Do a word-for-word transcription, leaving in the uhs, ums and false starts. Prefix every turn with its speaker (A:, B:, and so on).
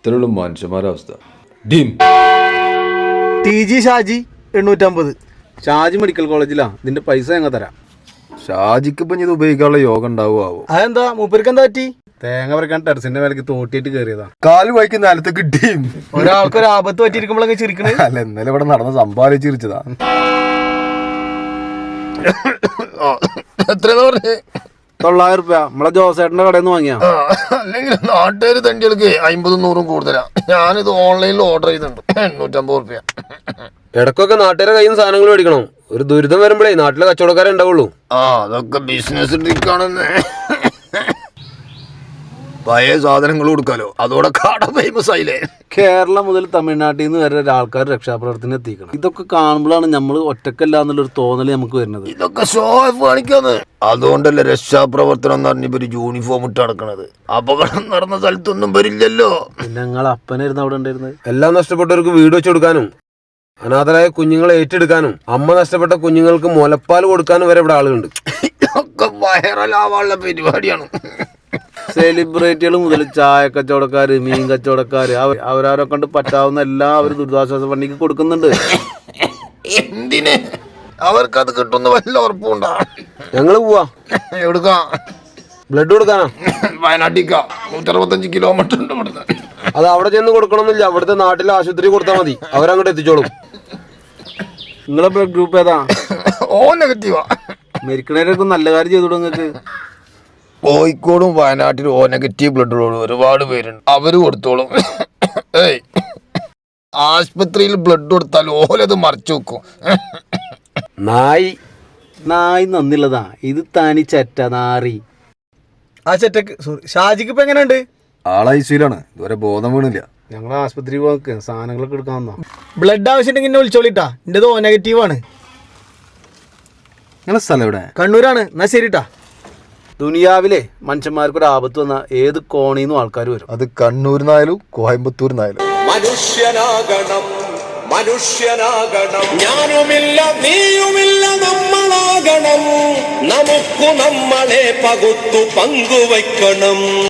A: ഇത്രയുള്ള മനുഷ്യന്മാരുടെ അവസ്ഥ. ഡീം
B: ടി ജി ഷാജി എണ്ണൂറ്റമ്പത്.
C: ഷാജി മെഡിക്കൽ കോളേജിലാ. ഇതിന്റെ പൈസ ഞങ്ങൾ തരാം.
A: ഷാജിക്ക് ഇപ്പം ഇത് ഉപയോഗിക്കാനുള്ള യോഗം ഉണ്ടാവുമോ?
B: അതെന്താ മൂപ്പർക്ക് എന്താ പറ്റി?
C: തേങ്ങ പറിക്കാൻ ടെറസിന്റെ മേലേക്ക് തോട്ടിയിട്ട് കയറിയതാ.
A: കാല് വൈക്ക് നിലത്തേക്ക് ഡീം.
B: ഒരാൾക്ക് ഒരു ആപത്ത് പറ്റിയിരിക്കുമ്പോഴൊക്കെ ചിരിക്കണേ.
A: അല്ല, ഇന്നലെ ഇവിടെ നടന്ന സംഭാവന ചിരിച്ചതാ.
D: എത്ര പറഞ്ഞേ?
C: തൊള്ളായിരം റുപ്യ നമ്മളെ ജോസേട്ടന്റെ കടയിൽ നിന്ന് വാങ്ങിയാ.
D: അല്ലെങ്കിൽ നാട്ടുകാർ തണ്ടികൾക്ക് അമ്പതും നൂറും കൂടുതലാ. ഞാനിത് ഓൺലൈനിൽ ഓർഡർ ചെയ്തിട്ടുണ്ട്. എണ്ണൂറ്റമ്പത് റുപ്യ.
E: ഇടക്കൊക്കെ നാട്ടുകാരെ കയ്യിൽ നിന്ന് സാധനങ്ങൾ മേടിക്കണം. ഒരു ദുരിതം വരുമ്പോഴേ നാട്ടിലെ കച്ചവടക്കാരെ ഉണ്ടാവുള്ളൂ.
D: ആ അതൊക്കെ ബിസിനസ് ട്രിക്കാണെന്ന്. പഴയ സാധനങ്ങൾ കൊടുക്കാലോ, അതോടെ കട ഫേമസ് ആയില്ലേ.
C: കേരളം മുതൽ തമിഴ്നാട്ടിൽ നിന്ന് വരെ ആൾക്കാർ രക്ഷാപ്രവർത്തനം എത്തിക്കണം. ഇതൊക്കെ കാണുമ്പോഴാണ് നമ്മൾ ഒറ്റക്കല്ല എന്നുള്ളൊരു തോന്നൽ നമുക്ക് വരുന്നത്.
D: ഇതൊക്കെ ഷോ ഓഫ് കാണിക്കാന്ന്. അതുകൊണ്ടല്ലേ രക്ഷാപ്രവർത്തനം എന്ന് പറഞ്ഞ ഇവര് യൂണിഫോം ഇട്ട് നടക്കണത്. അപകടം നടന്ന സ്ഥലത്തൊന്നും വരില്ലല്ലോ.
C: പിന്നെ ഞങ്ങൾ അപ്പനായിരുന്നു അവിടെ ഉണ്ടായിരുന്നത്.
E: എല്ലാം നഷ്ടപ്പെട്ടവർക്ക് വീട് വെച്ച് കൊടുക്കാനും അനാഥരായ കുഞ്ഞുങ്ങളെ ഏറ്റെടുക്കാനും അമ്മ നഷ്ടപ്പെട്ട കുഞ്ഞുങ്ങൾക്ക് മുലപ്പാൽ കൊടുക്കാനും വരെ ഇവിടെ ആളുകളുണ്ട്.
D: ഇതൊക്കെ വൈറലാവാനുള്ള പരിപാടിയാണ്.
C: സെലിബ്രിറ്റികൾ മുതൽ ചായ കച്ചവടക്കാര്, മീൻ കച്ചവടക്കാര്, അവരാരെ കൊണ്ട് പറ്റാവുന്ന എല്ലാം അവർ ദുരിതാശ്വാസ ഫണ്ടിക്ക് കൊടുക്കുന്നുണ്ട്.
D: എന്തിന്? അവർക്കത് കിട്ടുന്ന വല്ല ഉറപ്പുണ്ടാ?
E: ഞങ്ങള് പോവാ.
D: എവിടുക്കാ?
E: ബ്ലഡ് കൊടുക്കാനാ.
D: വയനാട്ടിക്കാ. നൂറ്ററുപത്തഞ്ച് കിലോമീറ്റർ ഉണ്ട് ഇവിടുന്ന്.
E: അത് അവിടെ ചെന്ന് കൊടുക്കണമെന്നില്ല. അവിടുത്തെ നാട്ടിലെ ആശുപത്രി കൊടുത്താൽ മതി, അവരങ്ങോട്ട് എത്തിച്ചോളും.
C: നിങ്ങളെ ബ്ലഡ് ഗ്രൂപ്പ് ഏതാ?
D: ഓ നെഗറ്റീവാ.
C: മരിക്കണേരൊക്കെ നല്ല കാര്യം ചെയ്തു നിങ്ങൾക്ക്.
D: കോഴിക്കോടും വയനാട്ടിലും ഓ നെഗറ്റീവ് ബ്ലഡുള്ള ഒരുപാട് പേരുണ്ട്. അവര് കൊടുത്തോളും. ഏയ് ആശുപത്രിയിൽ ബ്ലഡ് കൊടുത്താൽ ഓലത് മറച്ചു വെക്കും.
E: നായി
C: നായി നന്നില്ലതാ. ഇത് തനി ചെറ്റ നാറി.
B: ആ ചെറ്റക്ക് സോറി ഷാജിക്ക് ഇപ്പൊ എങ്ങനെയുണ്ട്?
A: ആളൈസിയിലാണ്, ഇതുവരെ ബോധം വീണില്ല.
C: ഞങ്ങൾ ആശുപത്രി പോക്ക് സാധനങ്ങളൊക്കെ എടുക്കാൻ വന്നോ.
B: ബ്ലഡ് ആവശ്യമുണ്ടെങ്കിൽ എന്നെ വിളിച്ചോളിട്ടാ. എൻ്റെത് ഓ നെഗറ്റീവ് ആണ്.
A: നിങ്ങളെ സ്ഥലം എവിടെ?
B: കണ്ണൂരാണ്. എന്നാ ശരിട്ടാ.
C: ദുനിയാവിലെ മനുഷ്യന്മാർക്കൊരു ആപത്ത് വന്നാൽ ഏത് കോണിന്നും ആൾക്കാർ വരും.
A: അത് കണ്ണൂരിനായാലും കോയമ്പത്തൂരിനായാലും.
F: മനുഷ്യനാകണം, മനുഷ്യനാകണം. ഞാനുമില്ല നീയുമില്ല നമ്മളാകണം. നമുക്ക് നമ്മളെ പകുത്തു പങ്കുവയ്ക്കണം.